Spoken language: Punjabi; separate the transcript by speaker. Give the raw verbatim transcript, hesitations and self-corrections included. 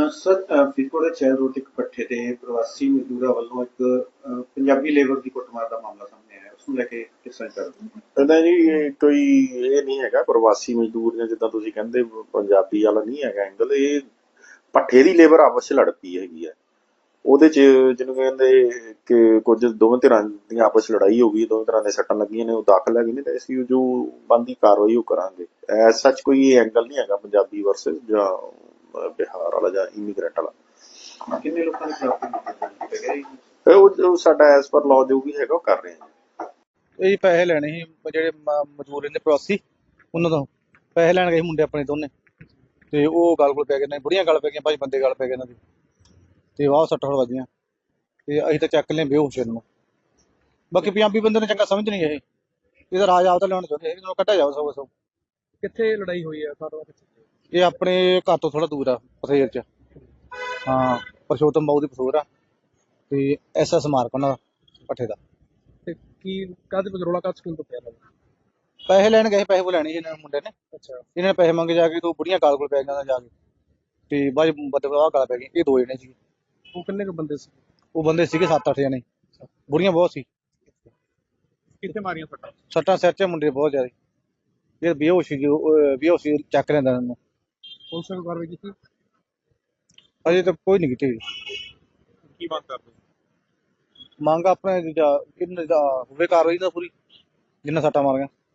Speaker 1: ਸਰ ਫਰੀਦਕੋਟ ਦੇ ਚੈਲ ਰੋਡ ਇੱਕ ਪੱਠੇ ਤੇ ਪ੍ਰਵਾਸੀ ਮਜ਼ਦੂਰਾਂ ਵੱਲੋਂ ਇੱਕ ਅ, ਪੰਜਾਬੀ ਲੇਬਰ ਦੀ ਕੁੱਟਮਾਰ ਦਾ ਮਾਮਲਾ ਸਾਹਮਣੇ ਆਇਆ, ਉਸ ਨੂੰ ਲੈ ਕੇ ਕਿਸ ਤਰ੍ਹਾਂ ਕਰ
Speaker 2: ਕਹਿੰਦਾ ਜੀ ਇਹ ਕੋਈ ਇਹ ਨਹੀਂ ਹੈਗਾ ਪ੍ਰਵਾਸੀ ਮਜ਼ਦੂਰ ਜਾਂ ਜਿੱਦਾਂ ਤੁਸੀਂ ਕਹਿੰਦੇ ਪੰਜਾਬੀ ਵਾਲਾ ਨਹੀਂ ਹੈਗਾ ਐਂਗਲ। ਇਹ ਭੱਠੇ ਦੀ ਲੇਬਰ ਆਪਸ 'ਚ ਲੜ ਪਈ ਹੈਗੀ ਆ। ਉਹਦੇ 'ਚ ਜਿਹਨੂੰ ਕਹਿੰਦੇ ਕਿ ਕੁਝ ਦੋਵੇਂ ਧਿਰਾਂ ਦੀਆਂ ਆਪਸ 'ਚ ਲੜਾਈ ਹੋ ਗਈ, ਦੋਵੇਂ ਤਰ੍ਹਾਂ ਦੇ ਸੱਟਾਂ ਲੱਗੀਆਂ ਨੇ, ਉਹ ਦਾਖਲ ਹੈਗੇ ਨੇ ਤੇ ਅਸੀਂ ਜੋ ਬਣਦੀ ਕਾਰਵਾਈ ਉਹ ਕਰਾਂਗੇ। ਐਜ਼ ਸੱਚ ਕੋਈ ਐਂਗਲ ਨਹੀਂ ਹੈਗਾ ਪੰਜਾਬੀ ਵਰਸਸ ਜਾਂ ਅਹ, ਬਿਹਾਰ ਵਾਲਾ ਜਾਂ ਇਮੀਗ੍ਰੈਂਟ ਵਾਲਾ।
Speaker 1: ਕਿੰਨੇ ਲੋਕਾਂ ਦੇ ਖਿਲਾਫ ਗਏ?
Speaker 2: ਤੇ ਉਹ ਉਹ ਸਾਡਾ ਐਜ਼ ਪਰ ਲਾਅ ਜੋ ਵੀ ਹੈਗਾ ਉਹ ਕਰ ਰਹੇ ਹਾਂ।
Speaker 3: ਇਹ ਪੈਸੇ ਲੈਣੇ ਸੀ ਜਿਹੜੇ ਮ- ਮਜ਼ਦੂਰ ਰਹਿੰਦੇ ਪ੍ਰਵਾਸੀ, ਉਹਨਾਂ ਤੋਂ ਪੈਸੇ ਲੈਣ ਗਏ ਸੀ ਮੁੰਡੇ ਆਪਣੇ ਦੋਨੇ, ਤੇ ਉਹ ਗੱਲ ਕੋਲ ਪੈ ਗਏ ਨੇ, ਬੁੜੀਆਂ ਗੱਲ ਪੈ ਗਈਆਂ, ਭਾਈ ਬੰਦੇ ਗੱਲ ਪੈ ਗਏ ਇਹਨਾਂ ਦੀ, ਤੇ ਵਾਹ ਸੱਟ ਵੱਜੀਆਂ, ਤੇ ਅਸੀਂ ਤਾਂ ਚੱਕ ਲਿਆ ਬੇਹੋਸ਼ ਨੂੰ। ਬਾਕੀ ਪੰਜਾਬੀ ਬੰਦੇ ਨੂੰ ਚੰਗਾ ਸਮਝ ਨਹੀਂ ਇਹ, ਇਹਦਾ ਰਾਜ ਆਪ ਤਾਂ ਲੈਣ ਚਾਹੁੰਦੇ ਇਹਨੂੰ ਕੱਢਿਆ ਜਾਓ ਸਭ ਸਭ।
Speaker 4: ਕਿੱਥੇ ਲੜਾਈ ਹੋਈ ਹੈ ਸਾਰਾ?
Speaker 3: ਇਹ ਆਪਣੇ ਘਰ ਤੋਂ ਥੋੜਾ ਦੂਰ ਆ, ਪਥੇਰ ਚ। ਹਾਂ, ਪਰਸ਼ੋਤਮ ਬਾਊ ਦੀ ਪਸੂਰ ਆ, ਤੇ ਐਸ ਐਸ ਮਾਰਕ ਉਹਨਾਂ ਦਾ ਪੱਠੇ ਦਾ।
Speaker 4: ਤੇ ਕੀ ਕਾਹਦੇ ਬਜਰੋਲਾ ਕਾਹ ਸਕੂਲ ਤੋਂ ਪਿਆ ਲੱਗਦਾ?
Speaker 3: ਪੈਸੇ ਲੈਣ ਗਏ, ਪੈਸੇ ਉਹ ਲੈਣੇ ਸੀ ਇਹਨਾਂ ਨੇ ਮੁੰਡੇ ਨੇ।
Speaker 4: ਅੱਛਾ,
Speaker 3: ਇਹਨਾਂ ਨੇ ਪੈਸੇ ਮੰਗੇ ਜਾ ਕੇ, ਤੋਂ ਬੁੜੀਆਂ ਗਾਲ ਕੋਲ ਪੈ ਗਈਆਂ ਜਾ ਕੇ, ਤੇ ਬਾਅਦ ਬੰਦੇ ਆਹ ਗਾਲ ਪੈ ਗਈ। ਇਹ ਦੋ ਜਣੇ ਸੀ,
Speaker 4: ਉਹ ਕਿੰਨੇ ਕੁ ਬੰਦੇ ਸੀ?
Speaker 3: ਉਹ ਬੰਦੇ ਸੀਗੇ ਸੱਤ ਅੱਠ ਜਣੇ, ਬੁੜੀਆਂ ਬਹੁਤ ਸੀ।
Speaker 4: ਕਿੱਥੇ ਮਾਰੀਆਂ ਸੱਟਾਂ?
Speaker 3: ਸੱਟਾਂ ਸਿਰ 'ਚ ਮੁੰਡੇ ਬਹੁਤ ਜ਼ਿਆਦਾ। ਇਹ ਬੇਹੋਸ਼ ਸੀ, ਬੇਹੋਸ਼ ਚੱਕ ਲੈਂਦਾ ਇਹਨਾਂ ਨੂੰ।
Speaker 4: ਪੁਲਿਸ ਨੇ ਕਾਰਵਾਈ ਕੀਤੀ?
Speaker 3: ਅਜੇ ਤਾਂ ਕੋਈ ਨਹੀਂ ਕੀਤੀ।
Speaker 4: ਕੀ ਮੰਗ ਕਰਦੇ?
Speaker 3: ਮੰਗ ਆਪਣੇ ਕਿੰਨੇ ਦਾ ਹੋਵੇ ਕਾਰਵਾਈ ਦਾ ਪੂਰੀ, ਜਿੰਨਾ ਸੱਟਾਂ ਮਾਰੀਆਂ।